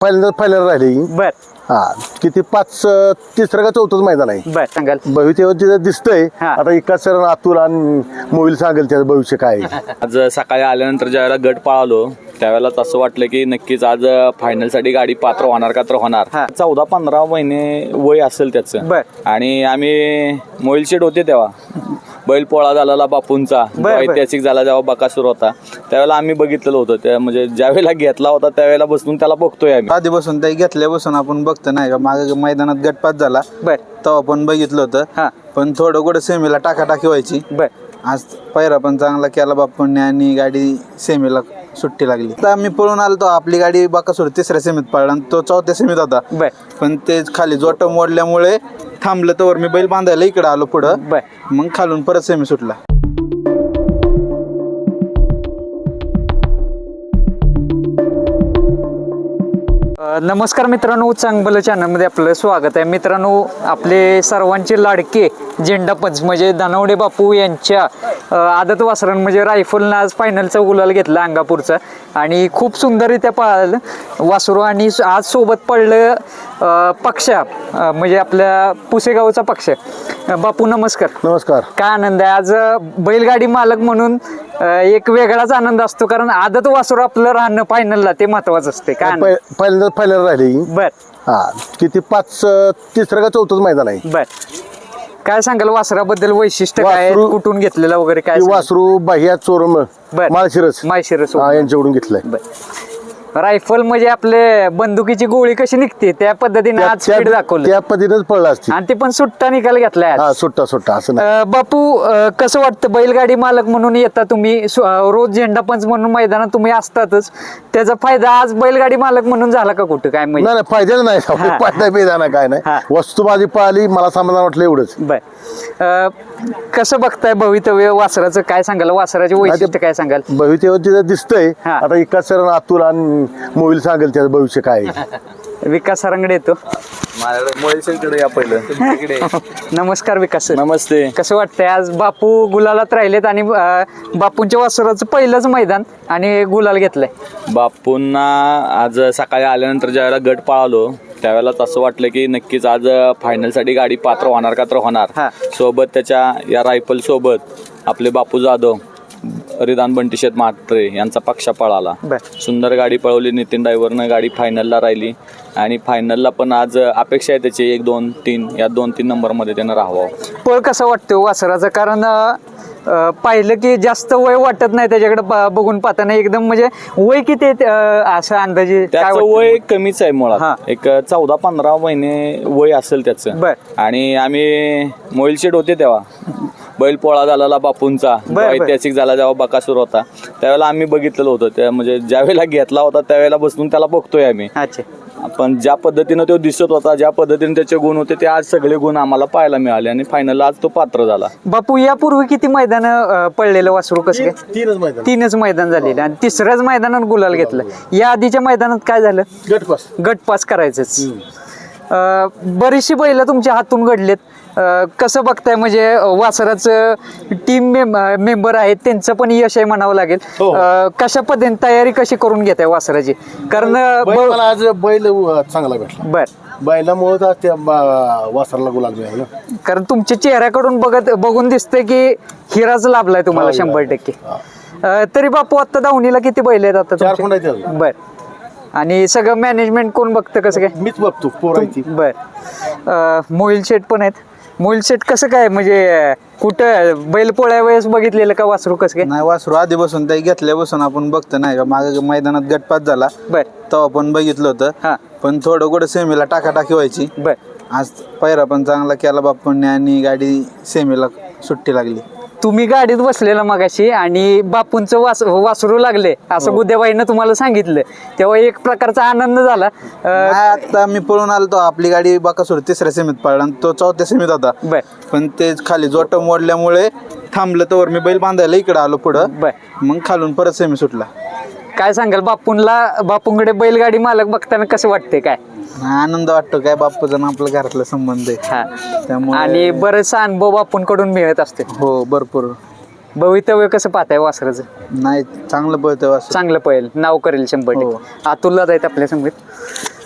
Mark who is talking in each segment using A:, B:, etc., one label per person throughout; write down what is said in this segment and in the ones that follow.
A: पहिल्यांदा राहिली.
B: बर
A: हा किती तिसरं का चौथंच मैदान आहे.
B: बर सांगाल.
A: भविष्यावर तिथं दिसतंय.
B: हा.
A: आता एकाच सर अतुल आणि मोबाईल सांगेल त्याचं भविष्य काय आहे.
C: आज सकाळी आल्यानंतर ज्यावेळेला गट पळालो त्यावेळेलाच असं वाटलं की नक्कीच आज फायनलसाठी गाडी पात्र होणार का तर होणार.
B: हा.
C: 14-15 महिने वय असेल त्याचं.
B: बर.
C: आणि आम्ही मोबाईल शेट होते तेव्हा बैल पोळा झालेला बापूंचा ऐतिहासिक झाला जेव्हा बकासूर होता त्यावेळेला आम्ही बघितलेलं होतं. त्या म्हणजे ज्यावेळेला घेतला होता त्यावेळेला बसून त्याला बघतोय आम्ही.
D: आधी बसून ते घेतल्यापासून आपण बघतो नाही का मागे मैदानात गटपात झाला
B: बर
D: तेव्हा पण बघितलं
B: हा.
D: होतं. पण थोडं कुठं सेमीला टाकाटाकी व्हायची.
B: बर
D: आज पहिरा पण चांगला केला बापूंनी आणि गाडी सेमीला सुट्टी लागली. तर आम्ही पळून आलो तो आपली गाडी बाकासूर तिसऱ्या सेमीत पळला आणि तो चौथ्या सेमीत होता.
B: बर
D: पण ते खाली जोट मोडल्यामुळे थांबलं तर मी बैल बांधायला इकडे आलो पुढं.
B: बर
D: मग खालून परत सेमी सुटला.
B: नमस्कार मित्रांनो, चांगलं चॅनलमध्ये आपलं स्वागत आहे. मित्रांनो, आपले सर्वांचे लाडके झेंडापंच म्हणजे धनवडे बापू यांच्या आदत वासरण म्हणजे रायफलनं आज फायनलचा गुलाल घेतला अंगापूरचा आणि खूप सुंदररित्या पळालं वासरू. आणि आज सोबत पडलं पक्षा म्हणजे आपल्या पुसेगावचा पक्ष. बापू नमस्कार.
A: नमस्कार.
B: काय आनंद आहे आज बैलगाडी मालक म्हणून. एक वेगळाच आनंद असतो कारण आदत वासरू आपलं राहणं फायनलला ते महत्वाचं असते. काय
A: पहिल्यांदा राहिली.
B: बर
A: हा किती तिसरं का चौथंच मैदान आहे.
B: बर काय सांगाल वासराबद्दल वैशिष्ट्य काय आहे?
A: वासरू-
B: कुठून घेतलेलं वगैरे काय सांगाल?
A: वासरू बाह्या चोरम
B: बर.
A: माळशिरस
B: माळशिरस
A: यांच्याकडून घेतलंय.
B: बर. रायफल म्हणजे आपले बंदुकीची गोळी कशी निघते त्या पद्धतीने आज स्पीड दाखवलं
A: त्या पद्धतीनेच पडला असते.
B: आणि ते पण सुट्टा निकाल घेतलाय आज.
A: हा सुट्टा असं नाही.
B: बापू कसं वाटतं बैलगाडी मालक म्हणून येता तुम्ही रोज झेंडापंच म्हणून मैदानात तुम्ही असतातच. त्याचा फायदा आज बैलगाडी मालक म्हणून झाला का कुठं काय म्हणजे?
A: नाही फायद्याच नाही. फायदा बेदाना काय
B: हा.
A: नाही. वस्तू माझी पळाली मला समाधान वाटलं एवढंच.
B: बर कसं बघताय भवितव्य वासराचं? काय सांगाल वासराचे वैशिष्ट्य काय सांगाल?
A: भविष्यावर तिथं दिसतंय.
B: हा.
A: आता एकाच सर अतुल आणि मोबाईल सांगेल त्याचं भविष्य काय आहे.
B: विकास सरांकडे येतो.
C: मोबाईल या पहिलं.
B: नमस्कार विकास सर.
C: नमस्ते.
B: कसं वाटतंय आज बापू गुलालात राहिलेत आणि बापूंच्या वासराचं पहिलंच मैदान आणि गुलाल घेतलंय.
C: बापूंना आज सकाळी आल्यानंतर ज्यावेळेला गट पळालो त्यावेळेलाच असं वाटलं की नक्कीच आज फायनलसाठी गाडी पात्र होणार का तर होणार.
B: हा.
C: सोबत त्याच्या या रायफल सोबत आपले बापू जाधव रिदान बंटीशेत म्हात्रे यांचा पक्षा पळाला.
B: बर
C: सुंदर गाडी पळवली. नितीन ड्रायव्हरनं गाडी फायनलला राहिली आणि फायनलला पण आज अपेक्षा आहे त्याची 1, 2, 3 या 2-3 नंबरमध्ये त्यानं राहावं.
B: पळ कसं वाटतं वासराचं? कारण पाहिलं की जास्त वय वाटत नाही त्याच्याकडे बघून पाहताना एकदम म्हणजे वय किती असं अंदाजे काय
C: त्याचं
B: वाटतं?
C: वय कमीच आहे
B: हा.
C: मुळात. एक 14-15 महिने वय असेल त्याचं.
B: बर.
C: आणि आम्ही मोबाईल शेट होते तेव्हा बैल पोळा झालेला बापूंचा
B: बर.
C: ऐतिहासिक झाला जेव्हा बकासूर होता त्यावेळेला आम्ही बघितलेलं होतं. त्या म्हणजे ज्यावेळेला घेतला होता त्यावेळेला बसून त्याला बघतोय आम्ही.
B: अच्छा.
C: पण ज्या पद्धतीनं तो दिसत होता ज्या पद्धतीने त्याचे गुण होते ते आज सगळे गुण आम्हाला पाहायला मिळाले आणि फायनलला आज तो पात्र झाला.
B: बापू यापूर्वी किती मैदान पडलेलं वासरू कसं काय?
A: 3च मैदान.
B: 3च मैदान झालेलं आणि तिसऱ्याच मैदानात गुलाल घेतलं. या आधीच्या मैदानात काय झालं? गटपास करायचंच. बरीचशी बैल तुमच्या हातून घडलेत. कसं बघताय म्हणजे वासराचं टीम मेंबर आहेत त्यांचं पण यश आहे म्हणावं लागेल. कशा पद्धतीने तयारी कशी करून घेताय वासराची? कारण
A: मला आज बैल चांगला भेटला.
B: बर
A: बैलामुळे त्या वासराला गुलाल मिळाला.
B: कारण तुमच्या चेहऱ्याकडून बघून दिसतंय की हिराच लाभलाय तुम्हाला 100%. तरी बापू आता दावणीला किती बैल आहेत आता
A: 4
B: तुमचे?
A: कोण आहेत?
B: बर. आणि सगळं मॅनेजमेंट कोण बघतं कसं काय?
A: मीच बघतो पोरांची.
B: बर. मोहिल शेट पण आहेत. मोहिल शेट कसं काय म्हणजे कुठं बैल पोळ्या वेळेस बघितलेलं का वासरू कसं काय?
D: नाही वासरू आधी बसून ते घेतल्यापासून आपण बघतो नाही का मागे मैदानात गटपात झाला
B: बर
D: तेव्हा पण बघितलं होतं.
B: हा.
D: पण थोडं कुठं सेमीला टाकाटाकी व्हायची.
B: बर
D: आज पहिरा पण चांगला केला बापूंनी आणि गाडी सेमीला सुट्टी लागली.
B: तुम्ही गाडीत बसलेला मगाशी आणि बापूंचं वासरू लागले असं गुद्याबाईनं तुम्हाला सांगितलं तेव्हा एक प्रकारचा आनंद झाला.
D: नाही, आता मी पळून आलो तो आपली गाडी बाकासूर तिसऱ्या सेमीत पळला आणि तो चौथ्या सेमीत होता.
B: बर
D: पण ते खाली जोट मोडल्यामुळे थांबलं तर मी बैल बांधायला इकडे आलो पुढं.
B: बर
D: मग खालून परत सेमी सुटला.
B: काय सांगाल बापूंकडे बैलगाडी मालक बघताना कसं वाटते काय?
D: आनंद वाटतो काय बापूचा आणि आपल्या घरातला संबंध आहे
B: हा.
D: त्यामुळे.
B: आणि बरेचसा अनुभव बापूंकडून मिळत असते.
D: हो भरपूर.
B: भवितव्य कसं पाहताय वासराचं?
D: नाही चांगलं पळतंय वासरू.
B: चांगलं पळेल नाव करेल 100%. अतुलला जायत आपल्या समोर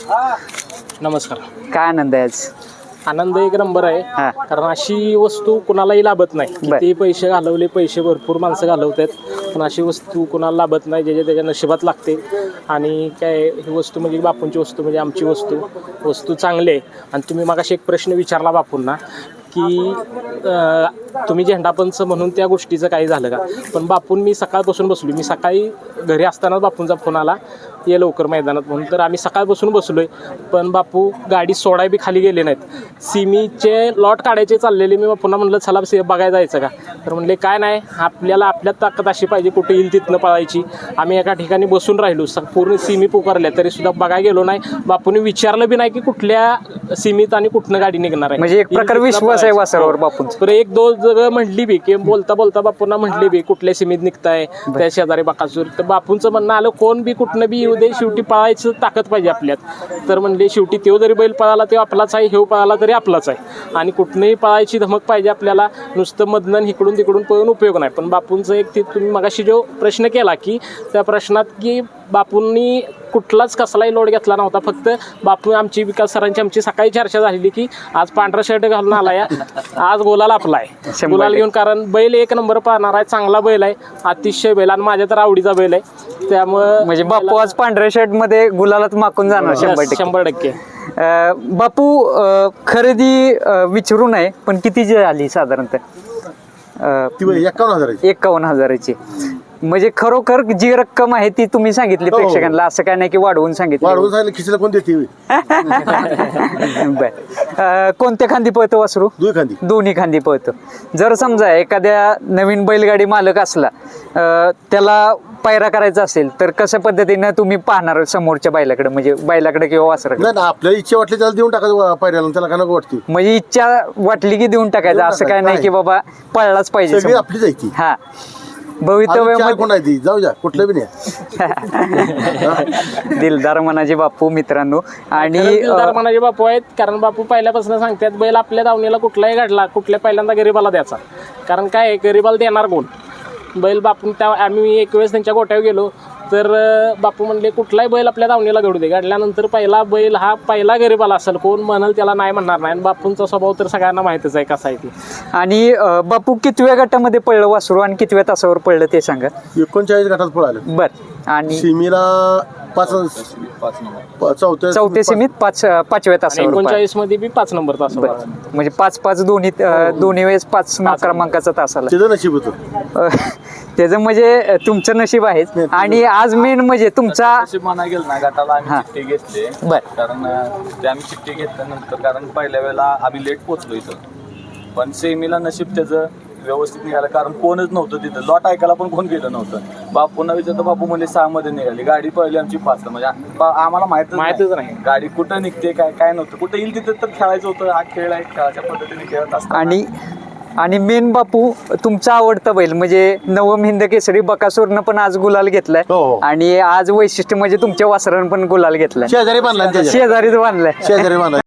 E: नमस्कार.
B: काय आनंद आहे आज?
E: आनंद एक नंबर आहे.
B: हा.
E: कारण अशी वस्तू कुणालाही लाभत नाही.
B: बर.
E: किती पैसे घालवले, पैसे भरपूर माणसं घालवतात, पण अशी वस्तू कुणाला लाभत नाही, ज्याच्या त्याच्या नशिबात लागते. आणि काय ही वस्तू म्हणजे बापूंची वस्तू म्हणजे आमची वस्तू चांगली आहे. आणि तुम्ही मगाशी एक प्रश्न विचारला बापूंना की तुम्ही झेंडापंच म्हणून त्या गोष्टीचं काही झालं का. पण बापून मी सकाळपासून बसलो, मी सकाळी घरी असतानाच बापूंचा फोन आला ये लवकर मैदानात म्हणून. तर आम्ही सकाळपासून बसलोय, पण बापू गाडी सोडाय बी खाली गेले नाहीत. सिमीचे लॉट काढायचे चाललेले, मी बापूंना म्हणलं चला बघायला जायचं का. तर म्हणले काय नाही, आपल्याला आपल्यात ताकद अशी पाहिजे कुठे येईल तिथनं पळायची. आम्ही एका ठिकाणी बसून राहिलो, पूर्ण सिमी पुकारल्या तरी सुद्धा बघायला गेलो नाही. बापूंनी विचारलं बी नाही की कुठल्या सीमीत आणि कुठनं गाडी निघणार आहे.
B: म्हणजे एक प्रकार विश्वास आहे वासरावर बापूंचा.
E: तर एक दोन जगह म्हटली बी की बोलता बोलता बापूंना म्हटली बी कुठल्या सीमीत निघताय त्या शेजारी बाकासूर. तर बापूंचं म्हणणं आलं कोण बी कुठनं बी येऊ दे, शेवटी पळायचं ताकद पाहिजे आपल्यात. तर म्हणले शेवटी तो जरी बैल पळाला तो आपलाच आहे, हेव पळाला तरी आपलाच आहे. आणि कुठनंही पळायची धमक पाहिजे आपल्याला, नुसतं मधनं इकडून तिकडून पळून उपयोग नाही. पण बापूंचं एक ते तुम्ही मगाशी जो प्रश्न केला की त्या प्रश्नात की बापूंनी कुठलाच कसलाही लोड घेतला नव्हता. फक्त बापू आमची विकास सरांची आमची सकाळी चर्चा झालेली की आज पांढरा शर्ट घालून आलाय, आज गुलाल आपला आहे. गुलाल घेऊन, कारण बैल एक नंबर पाहणार आहे, चांगला बैल आहे, अतिशय बैल आणि माझ्या तर आवडीचा बैल आहे. त्यामुळं
B: म्हणजे बापू आज पांढऱ्या शर्ट मध्ये गुलालात माकून जाणार
E: 100%.
B: बापू खरेदी विचारू नये, पण किती जी आली साधारणतः?
A: ती 51,000
B: 51,000ची. म्हणजे खरोखर जी रक्कम आहे ती तुम्ही सांगितली
A: हो.
B: प्रेक्षकांना, असं काय नाही की वाढवून सांगितलं.
A: वाढवून सांगितलं खिशीला कोण देते?
B: बर. कोणत्या खांदी पळतो वासरू? दोन्ही खांदी पळतो. जर समजा एखाद्या नवीन बैलगाडी मालक असला, त्याला पायरा करायचा असेल तर कशा पद्धतीनं तुम्ही पाहणार समोरच्या बैलाकडे, म्हणजे बैलाकडे किंवा वासराकडे?
A: नाही, आपल्याला इच्छा वाटली त्याला देऊन टाकायचं पायऱ्याला, त्याला काय नको वाटते.
B: म्हणजे इच्छा वाटली की देऊन टाकायचं, असं काय नाही की बाबा पळलाच पाहिजे
A: सगळी
B: समोर.
A: आपली जायची.
B: हा,
A: कोण
B: भवितव्यामध्ये
A: आहे ती, जाऊ द्या, कुठलं बी नाही.
B: दिलदार मनाचे बापू मित्रांनो. आणि
E: दिलदार मनाचे बापू आहेत, कारण बापू पहिल्यापासून सांगतात बैल आपल्या दावणीला कुठलाही घडला कुठल्या पहिल्यांदा गरीबाला द्यायचा. कारण काय गरीबाला देणार कोण बैल. बापू त्या आम्ही एक वेळेस त्यांच्या गोट्यावर गेलो तर बापू म्हणले कुठलाही बैल आपल्या दावणीला घडू दे, घडल्यानंतर पहिला बैल हा पहिला गरीबाला असेल, कोण म्हणाल त्याला नाही म्हणणार नाही. आणि बापूंचा स्वभाव तर सगळ्यांना माहितच आहे कसा आहे ती.
B: आणि बापू कितव्या गटामध्ये पडलं वासरू आणि कितव्या तासावर पडलं ते सांगा.
A: 39 गटात पळालं.
B: बर. आणि
A: सिमीला 5
B: चौथ्या सीमित 5व्या तासावर
E: 39 मध्ये बी 5 नंबर तास.
B: म्हणजे 5-5 दोन्ही वेळेस 5 क्रमांकाचा तास आला.
A: त्याचं नशीब होतं.
B: त्याचं म्हणजे तुमचं नशीब आहे. आणि आज मेन म्हणजे तुमचा
C: म्हणायला गेलं ना, गटाला आम्ही चिठ्ठी घेतली.
B: बर.
C: कारण ते आम्ही चिठ्ठी घेतल्यानंतर, कारण पहिल्या वेळेला आम्ही लेट पोहोचलो इथं, पण सेमीला नशीब त्याचं व्यवस्थित निघालं. कारण कोणच नव्हतं तिथं, लॉट ऐकायला पण कोण गेलं नव्हतं. बापूंना विचारतो, बापू म्हणजे 6 मध्ये निघाली गाडी, पहिली आमची 5. म्हणजे आम्हाला माहितच नाही गाडी कुठं निघते, काय नव्हतं. कुठं येईल तिथं तर खेळायचं होतं. हा खेळ आहे, खेळाच्या पद्धतीने खेळत असतो.
B: आणि मेन बापू तुमचा आवडता बैल म्हणजे नवम हिंद केसरी बकासूरनं पण आज गुलाल घेतलाय. आणि आज वैशिष्ट्य म्हणजे तुमच्या वासरानं पण गुलाल घेतलाय.
A: शेजारी बांधला,
B: शेजारीच बांधलाय.
A: शेजारी बांधला.